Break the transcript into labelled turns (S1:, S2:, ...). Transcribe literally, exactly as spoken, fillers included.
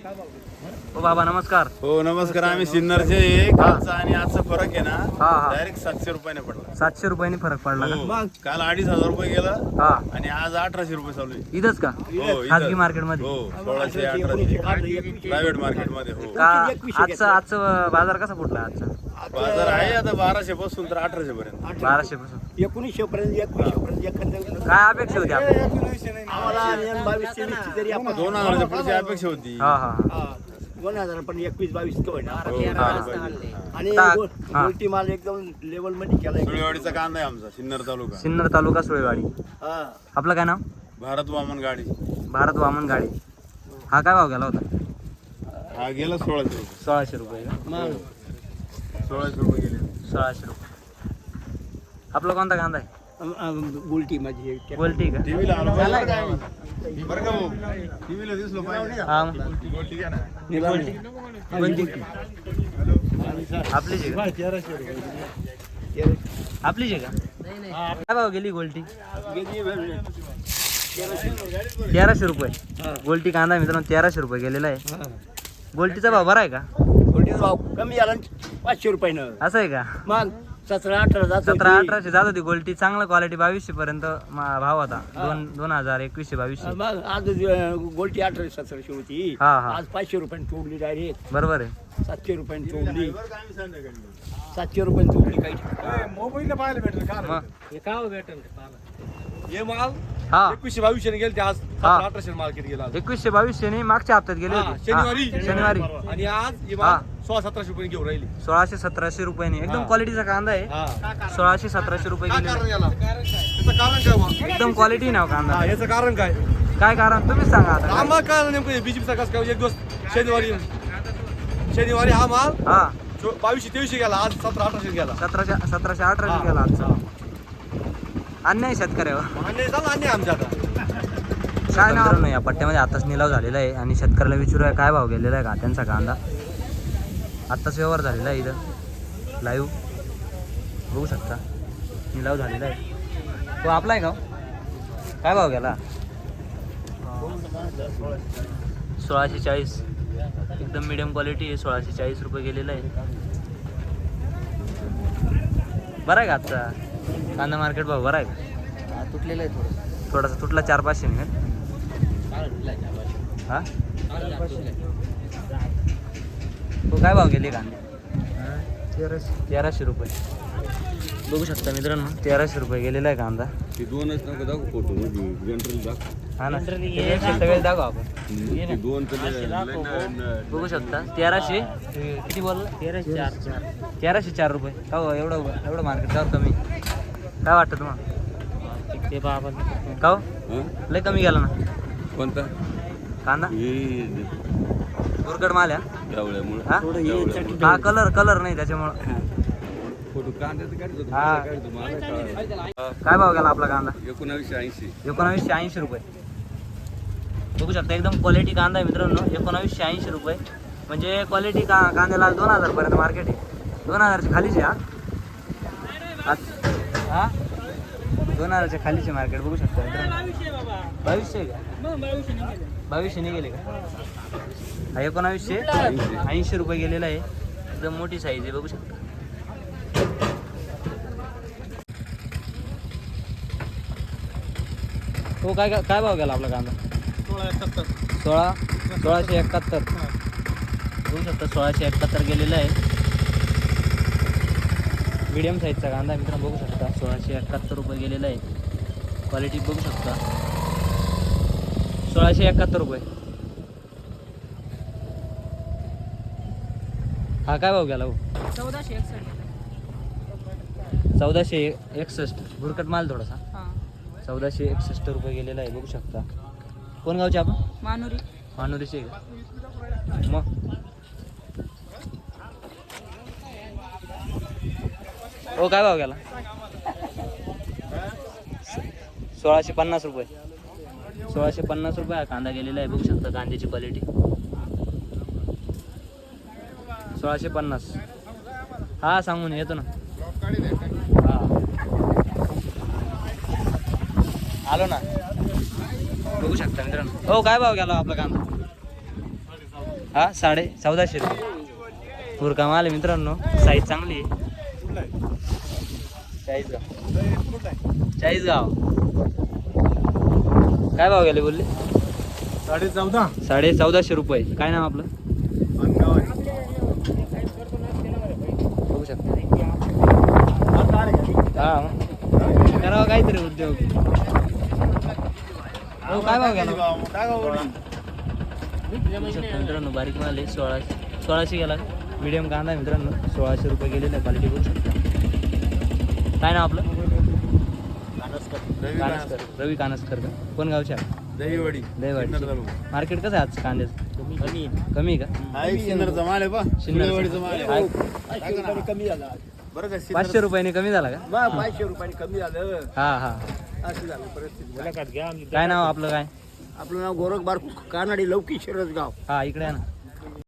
S1: हो बाबा नमस्कार.
S2: हो नमस्कार. आम्ही सिन्नरचे आहे. कालचा आणि आजचा फरक आहे ना,
S1: हा हा
S2: डायरेक्ट सातशे रुपयाने पडला.
S1: सातशे रुपयाने फरक पडला का?
S2: हो. काल अडीच हजार रुपये गेलं
S1: हा
S2: आणि आज अठराशे रुपये चालू आहे.
S1: इथंच का?
S2: हो, इथं.
S1: खाजगी मार्केट मध्ये
S2: हो सोळाशे अठराशे प्रायव्हेट मार्केट मध्ये. हो
S1: का? आजचा आजचा बाजार कसा फुटला आजचा?
S2: बाजार आहे आता बाराशे पासून तर अठराशे पर्यंत.
S1: बाराशे पासून
S3: एकोणीसशे पर्यंत एकवीसशे पर्यंत एखाद्या
S1: काय अपेक्षा होती आपली?
S3: आम्हाला बावीस तेवीस तरी आपण
S2: दोन हजाराच्या पुढची अपेक्षा होती.
S1: हा हा हा.
S3: हा, दोन हजार पण एकवीस बावीस का होईना.
S2: हो,
S1: हा.
S3: आणि
S1: टाक.
S3: गो-
S1: हा.
S3: गोलटी माल एकदम लेवल मध्ये केलाय.
S2: सुळेवाडीचा कांदा आहे आमचा सिन्नर तालुका.
S1: सिन्नर तालुका सुळेवाडी.
S3: हा.
S1: आपलं काय नाव?
S2: भारत वामन गाडी.
S1: भारत वामन गाडी. हा काय भाव गेला होता?
S2: हा गेला सोळाशे रुपये.
S1: सोळाशे रुपये का?
S3: मग
S2: सोळाशे रुपये गेले.
S1: सोळाशे रुपये. आपला कोणता कांदा आहे?
S3: अम- अम, गोलटी माझी
S1: गोल्टी का?
S2: टीव्हीला आलो बरं का भाऊ? टीव्हीला दिसलो पाहिजे.
S1: हा
S2: गोल्टी घ्या ना.
S1: कोणती? आपलीच आहे का? आपलीच आहे का? काय भाव गेली गोल्टी? तेराशे रुपये. गोल्टी कांदा मित्रांनो तेराशे रुपये गेलेला आहे. गोल्टीचा भाव बरा आहे का?
S3: गोलटीचा भाव कमी झाला ना पाचशे रुपयानं.
S1: असं आहे का?
S3: मग सतरा अठरा जात
S1: सतरा
S3: होती.
S1: अठराशे जात होती गोल्टी. चांगला क्वालिटी बावीसशे पर्यंत मा- भाव होता. दोन दोन हजार एकवीसशे बावीसशे.
S3: मग आज अ, गोलटी अठराशे सतराशे होती.
S1: हा, हा.
S3: आज पाचशे रुपयाने तोडली डायरेक्ट.
S1: बरोबर आहे.
S3: सातशे रुपयाने तोडली. सातशे रुपयाने तोडली काही.
S4: मोबाईलला पाहायला भेटेल का?
S1: मग
S3: हे का भेटेल
S4: हे माल
S1: हा
S4: एकवीसशे बावीसशे गेले ते आज
S1: हा.
S4: अठराशे मार्केट गेला आज.
S1: एकवीसशे बावीसशे ने मागच्या हप्त्यात गेले
S4: हा,
S1: होते.
S4: शनिवारी.
S1: हा, शनिवारी
S4: आणि आज हे
S1: हा.
S4: माल सोळा सतराशे रुपये घेऊन राहिली.
S1: सोळाशे सतराशे रुपयाने एकदम
S4: हा.
S1: क्वालिटीचा कांदा आहे.
S4: हा.
S1: सोळाशे सतराशे रुपये
S4: काय
S1: गेले.
S4: कारण याला याचं कारण काय बा?
S1: एकदम क्वालिटी नाव कांदा.
S4: हा, याचं कारण काय
S1: काय कारण तुम्हीच सांगा आता.
S4: आम्हाला काय नेमकं बीजेपीचा कसं काय एक दिवस शनिवारी शनिवारी हा माल
S1: हा
S4: चो- बावीसशे तेवीसशे गेला आज सतरा अठराशे गेला.
S1: सतराशे सतराशे
S4: हा.
S1: अठराशे गेला आजचा. अन्याय शेतकऱ्यावर.
S4: आणि झालं आणि आमच्या आता
S1: काय मित्रांनो या पट्ट्यामध्ये आताच निलाव झालेला आहे आणि शेतकऱ्याला विचारूया काय भाव गेलेला आहे घाट्यांचा कांदा. आत्ताच व्यवहार झालेला आहे इथं लाईव्ह बघू शकता. निलाव झालेला आहे. तो आपला आहे का हो? काय भाव गेला? सोळाशे चाळीस. एकदम मिडियम क्वालिटी आहे. सोळाशे चाळीस रुपये गेलेला आहे. बरं आहे का आजचा कांदा मार्केट भाव बरा आहे का?
S3: तुटलेलं आहे थोडं.
S1: थोडासा तुटला चार पाचशे नाही हा तो काय भाव गेले कांदे? तेराशे रुपये बघू शकता मित्रांनो. तेराशे रुपये गेलेला आहे कांदा.
S2: ते दोनच नका दाखव फोटो जनरल दाखव.
S1: हा ना सगळे दाखव आपण.
S2: ते दोन
S1: बघू शकता तेराशे किती बोलला? तेराशे चार. तेराशे चार रुपये का हो? एवढं एवढं मार्केट का कमी? काय वाटतं तुम्हाला? ते बाबा का हो? लय कमी गेला ना
S2: कोणता
S1: कांदा.
S2: हे
S1: दुर्गड माल आहे
S2: एवढ्यामुळे
S1: हा? हा कलर कलर नाही त्याच्यामुळं.
S2: फोटो कांद्याचं काढतो
S1: हा.
S2: काढतो मला कळालं.
S1: काय भाव गेला आपला कांदा?
S2: एकोणावीसशे ऐंशी.
S1: एकोणावीसशे ऐंशी रुपये बघू शकता. एकदम क्वालिटी कांदा आहे मित्रांनो. एकोणावीसशे ऐंशी रुपये म्हणजे क्वालिटी का कांद्याला दोन हजार पर्यंत मार्केट आहे. दोन हजारच्या खालीच आहे हा आज- हा दोन हजारच्या खालीचे मार्केट बघू शकता मित्रांनो. बावीसशे आहे का? बावीसशे नाही गेले का? हा एकोणावीसशे ऐंशी रुपये गेलेला आहे. एकदम मोठी साईज आहे बघू शकता. हो काय काय भाव गेला आपला कांदा? सोळा सोळाशे एकाहत्तर बघू शकता. सोळाशे एकाहत्तर गेलेला आहे. मीडियम साईजचा कांदा मित्रांनो बघू शकता. सोळाशे एकाहत्तर रुपये गेलेला आहे. क्वालिटी बघू शकता. सोळाशे एकाहत्तर रुपये. हा काय भाव गेला हो?
S5: चौदाशे एकसष्ट.
S1: चौदाशे एकसष्ट भुरकट माल थोडासा. चौदाशे एकसष्ट रुपये गेलेला आहे बघू शकता. कोण गावचे आपण?
S5: मानुरी.
S1: मानुरीचे आहे का? मग हो काय भाव गेला? सोळाशे पन्नास रुपये. सोळाशे पन्नास रुपये हा कांदा गेलेला आहे बघू शकता. कांद्याची क्वालिटी सोळाशे पन्नास. हा सांगून येतो ना. हा आलो ना बघू शकता मित्रांनो. हो काय भाव गेला आपला कांदा? हा साडे चौदाशे रुपये पुरका माल आहे मित्रांनो, साईज चांगली आहे. चाळीसगाव चाळीसगाव काय भाव गेले बोलले?
S4: साडे चौदा.
S1: साडे चौदाशे रुपये. काय नाव आपलं? बघू शकता. हा करावं काहीतरी उद्योग. हो काय भाव गेला? बघू शकता मित्रांनो, बारीक माल आहे. सोळाशे सोळाशे गेला. मीडियम कांदा आहे मित्रांनो, सोळाशे रुपये गेलेला आहे. क्वालिटी बघू शकता. काय नाव आपलं? कानसकर. रवी कानसकर का? कोण गावच्या?
S2: दहीवडी
S1: दहीवाडी. मार्केट कसं आहे आज कांद्याचं? कमी कमी का?
S2: सिन्नरचा माल आहे बा.
S1: शिन्नरचा
S2: माल आहे.
S1: आहे.
S3: कमी झाला
S2: बरं का
S1: पाचशे रुपयाने कमी झाला का?
S3: मग पाचशे रुपयाने कमी झालं.
S1: हा हा.
S3: असं झालं परिस्थिती.
S1: काय नाव आपलं? काय
S3: आपलं नाव गोरख बार कानाडी लौकी शिरसगाव.
S1: हा इकडे आहे ना.